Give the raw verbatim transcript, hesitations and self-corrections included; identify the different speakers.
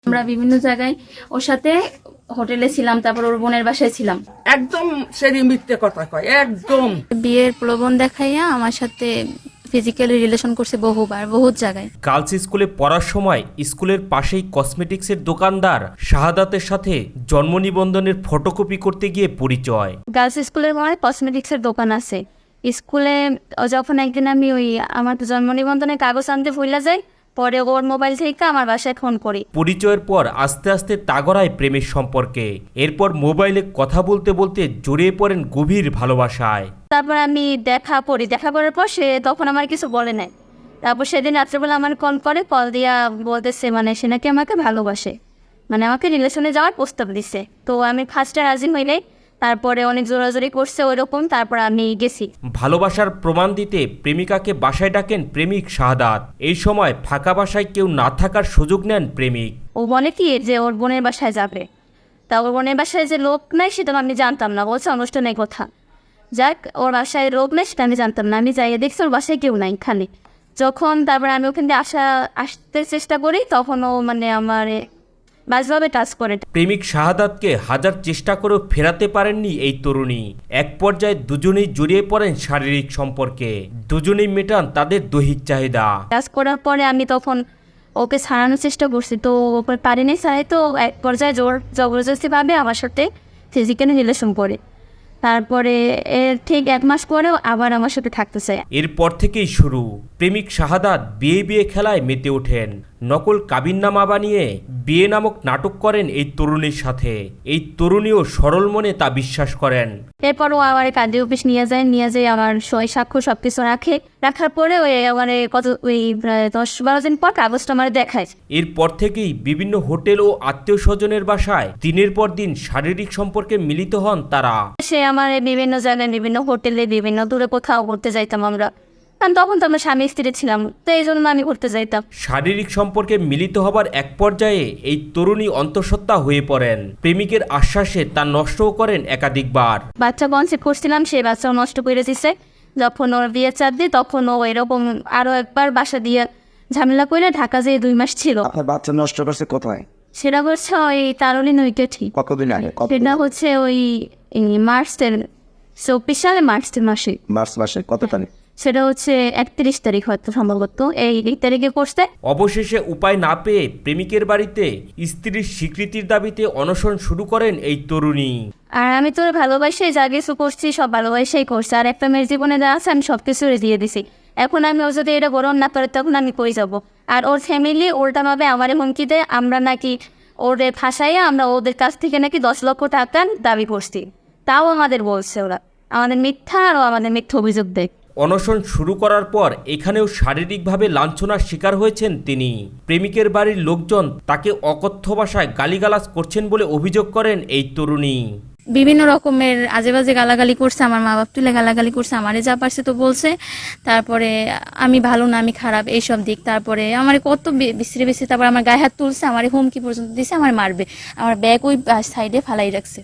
Speaker 1: আমরা বিভিন্ন জায়গায় ওর সাথে হোটেলে ছিলাম, তারপর ওর বোনের বাসায় ছিলাম।
Speaker 2: একদম সেদিন মিথ্যে কথা কয়, একদম
Speaker 1: বিয়ের প্রলোভন দেখাইয়া আমার সাথে ফিজিক্যালি রিলেশন করছে বহুবার, বহুত জায়গায়।
Speaker 3: গার্লস স্কুলে পড়ার সময় স্কুলের পাশেই কসমেটিক্সের দোকানদার শাহাদাতের সাথে জন্ম নিবন্ধনের ফটোকপি করতে গিয়ে পরিচয়।
Speaker 1: গার্লস স্কুলের মনে কসমেটিক্সের দোকান আছে স্কুলে। যখন একদিন আমি ওই আমার জন্ম নিবন্ধনের কাগজ আনতে ভুলে যাই, পরে ওর মোবাইল থেকে আমার বাসায় ফোন করি।
Speaker 3: পরিচয়ের পর আস্তে আস্তে তাগড়ায় প্রেমের সম্পর্কে, এরপর মোবাইলে কথা বলতে বলতে জড়িয়ে পড়েন গভীর ভালোবাসায়।
Speaker 1: তারপর আমি দেখা পড়ি, দেখা করার পর সে তখন আমার কিছু বলে নাই। তারপর সেদিন রাত্রেবেলা আমার কল করে, কল দিয়া বলতেছে মানে সে নাকি আমাকে ভালোবাসে, মানে আমাকে রিলেশনে যাওয়ার প্রস্তাব দিছে। তো আমি ফার্স্টে রাজি হইলে, তারপরে অনেক জোরাজোরি করছে ওইরকম, তারপর আমি গেছি।
Speaker 3: ভালোবাসার প্রমাণ দিতে প্রেমিকাকে বাসায় ডাকেন প্রেমিক শাহাদাত। এই সময় ফাঁকা বাসায় কেউ না থাকার সুযোগ নেন প্রেমিক।
Speaker 1: ও বলে কি যে ওর বোনের বাসায় যাবে, তা ওর বোনের বাসায় যে লোক নাই সেটা আমি জানতাম না, বলছে অনুষ্ঠানের কথা। যাক, ওর বাসায় লোক নেই সেটা আমি জানতাম না। আমি যাইয়ে দেখছি ওর বাসায় কেউ নাই খালি। যখন তারপরে আমি ওখান থেকে আসা আসতে চেষ্টা করি, তখন ও মানে আমার বাজভাবে টাচ করে।
Speaker 3: প্রেমিক শাহাদাতকে হাজার চেষ্টা করেও ফেরাতে পারেননি এই তরুণী। এক পর্যায়ে দুজনেই জড়িয়ে পড়েন শারীরিক সম্পর্কে, দুজনেই মেটান তাদের দৈহিক চাহিদা।
Speaker 1: টাচ করার পরে আমি তখন ওকে ছাড়ানোর চেষ্টা করছি, তো ওপর পারিনি ছাড়াই। তো এক পর্যায়ে জোর জবরদস্তিভাবে আমার সাথে ফিজিক্যালি রিলেশন করে। তারপরে এর ঠিক এক মাস পরেও আবার আমার সাথে থাকতে চায়।
Speaker 3: এরপর থেকেই শুরু প্রেমিক শাহাদাত বিয়ে বিয়ে খেলায় মেতে ওঠেন। নকল কাবিননামা বানিয়ে বিয়ে নামক নাটক করেন এই তরুণীর সাথে। এই তরুণীও সরল মনে তা বিশ্বাস করেন।
Speaker 1: এরপরও আমার কাজে অফিস নিয়ে যায়, নিয়ে যায় আমার সই সাক্ষ্য সব কিছু রাখে। রাখার পরে ওই মানে কত ওই প্রায় দশ বারো দিন পর কাগজটা আমার দেখায়।
Speaker 3: এরপর থেকেই বিভিন্ন হোটেল ও আত্মীয় স্বজনের বাসায় দিনের পর দিন শারীরিক সম্পর্কে মিলিত হন তারা।
Speaker 1: সে আমার বিভিন্ন জায়গায় বিভিন্ন হোটেলে বিভিন্ন দূরে কোথাও ঘুরতে যাইতাম আমরা, কারণ তখন তো আমরা স্বামী স্ত্রী ছিলাম, তো এই জন্য আমি ঘুরতে যাইতাম।
Speaker 3: শারীরিক সম্পর্কে মিলিত হবার এক পর্যায়ে এই তরুণী অন্তঃসত্ত্বা হয়ে পড়েন। প্রেমিকের আশ্বাসে তা নষ্টও করেন একাধিকবার।
Speaker 1: বাচ্চা কনসেপ্ট করছিলাম, সেই বাচ্চাও নষ্ট করে দিছে। যখন ওর বিয়ে চাপ দিই, তখন ও এরকম আরও একবার বাসা দিয়ে ঝামেলা করে ঢাকা যেয়ে দুই মাস ছিল।
Speaker 4: আপনার বাচ্চা নষ্ট করছে কোথায়?
Speaker 1: সেটা হচ্ছে ওই তারলি নৈকেঠি।
Speaker 4: কতদিন আগে?
Speaker 1: সেটা হচ্ছে ওই মার্চের চব্বিশ সালে মার্চের মাসে।
Speaker 4: মার্চ মাসে কত তারিখ?
Speaker 1: সেটা হচ্ছে একত্রিশ তারিখ হয়তো সম্ভবত, এই এই তারিখে করছে।
Speaker 3: অবশেষে উপায় না পেয়ে প্রেমিকের বাড়িতে স্ত্রীর স্বীকৃতির দাবিতে অনশন শুরু করেন এই তরুণী।
Speaker 1: আর আমি তোর ভালোবাসাই যা কিছু করছি সব ভালোবাসাই করছি, আর একটা মেয়ের জীবনে যা আছে আমি সব কিছু দিয়ে দিছি। এখন আমি ওর যদি এটা গ্রহণ না করে তখন আমি কই যাব? আর ওর ফ্যামিলি উল্টাভাবে আমারে হুমকি দেয়, আমরা নাকি ওরে ফাঁসাইয়া আমরা ওদের কাছ থেকে নাকি দশ লক্ষ টাকা দাবি করছি। তাও আমাদের বলছে ওরা, আমাদের মিথ্যা আর আমাদের মিথ্যা অভিযোগ দেয়।
Speaker 3: অনশন শুরু করার পর এখানেও শারীরিকভাবে লাঞ্ছনার শিকার হয়েছেন তিনি। প্রেমিকের বাড়ির লোকজন তাকে অকথ্য ভাষায় গালিগালাজ করছেন বলে অভিযোগ করেন এই তরুণী।
Speaker 1: বিভিন্ন রকমের আজে বাজে গালাগালি করছে, আমার মা বাপ তুলে গালাগালি করছে, আমারে যা পারছে তো বলছে। তারপরে আমি ভালো না, আমি খারাপ, এইসব দিক। তারপরে আমার কত বিশ্রী বিশ্রী, তারপর আমার গায়ে হাত তুলছে, আমার হুমকি পর্যন্ত দিছে আমার মারবে। আমার ব্যাগ ওই সাইডে ফালাই রাখছে।